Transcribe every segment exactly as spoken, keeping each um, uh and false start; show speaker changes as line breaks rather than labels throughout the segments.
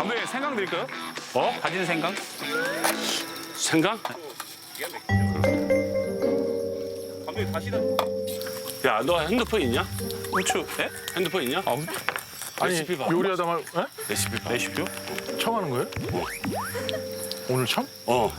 감독님 생강 드릴까요?
어?
다진 생강?
생강?
감독님 다시는
야, 너 핸드폰 있냐?
후추. 예?
핸드폰 있냐?
아,
아니
레시피 봐.
요리하다 말 에?
레시피 봐.
레시피요?
처음 하는 거예요? 오늘 처음?
어.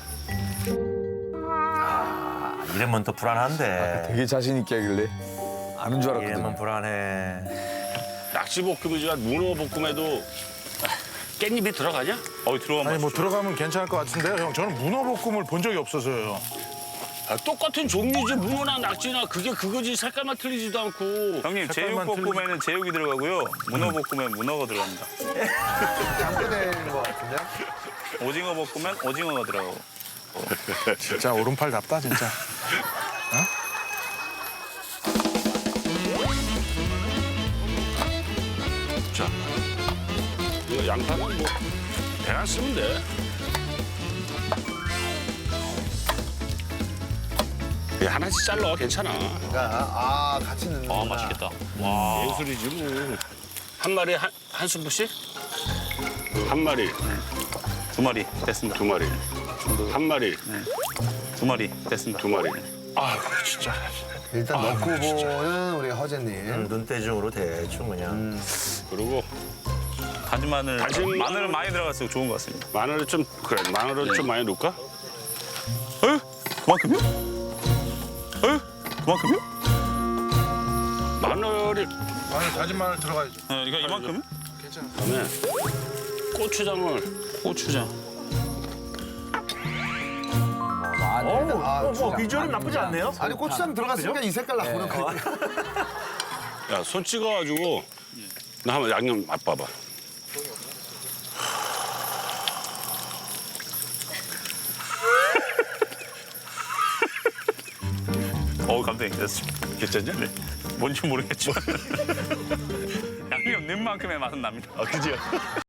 이러면 또 불안한데.
되게 자신 있게 하길래 아는 줄
이러면
알았거든.
불안해.
낙지볶음이지만 문어볶음에도 깻잎이 들어가냐?
어, 들어가면
아니 뭐
맛있죠.
들어가면 괜찮을 것 같은데요, 형. 저는 문어볶음을 본 적이 없어서요.
아, 똑같은 종류지 문어나 낙지나 그게 그거지 색깔만 틀리지도 않고.
형님,
색깔만
제육볶음에는 제육이 들어가고요. 문어볶음엔 문어가 들어갑니다.
양보되는 것 같은데?
오징어 볶으면 오징어가 들어가고.
진짜 오른팔답다 진짜.
자, 이거 양파는 뭐 배안 쓰면 돼. 예, 하나씩 잘라 괜찮아.
아 같이 넣는
아, 맛있겠다.
예술이지 뭐. 한 마리 한, 한 스푼씩? 한 마리,
두 마리 됐습니다.
두 마리, 한 마리,
두 마리 됐습니다.
두 마리.
아 진짜.
일단 넣고 보는 우리 허재님.
눈대중으로 대충 그냥.
그리고
다진 마늘.
다진
마늘은 많이 들어갔어요. 좋은 것 같습니다.
마늘을 좀 그래 마늘을 좀 많이 넣을까?
에? 그만큼요? 에? 그만큼요?
마늘이
마늘 다진 마늘 들어가야죠.
네, 이거 이만큼?
그다음에 고추장을
고추장.
아,
뭐 비주얼은 나쁘지 않네요.
아니 고추장 들어갔으니까 이 색깔 나오는 거.
야 손 찍어가지고 나 한번 양념 맛봐봐.
어, 감독님 됐습니다.
괜찮냐?
네. 뭔지 모르겠지만 양념 넣은 만큼의 맛은 납니다.
아 그지요?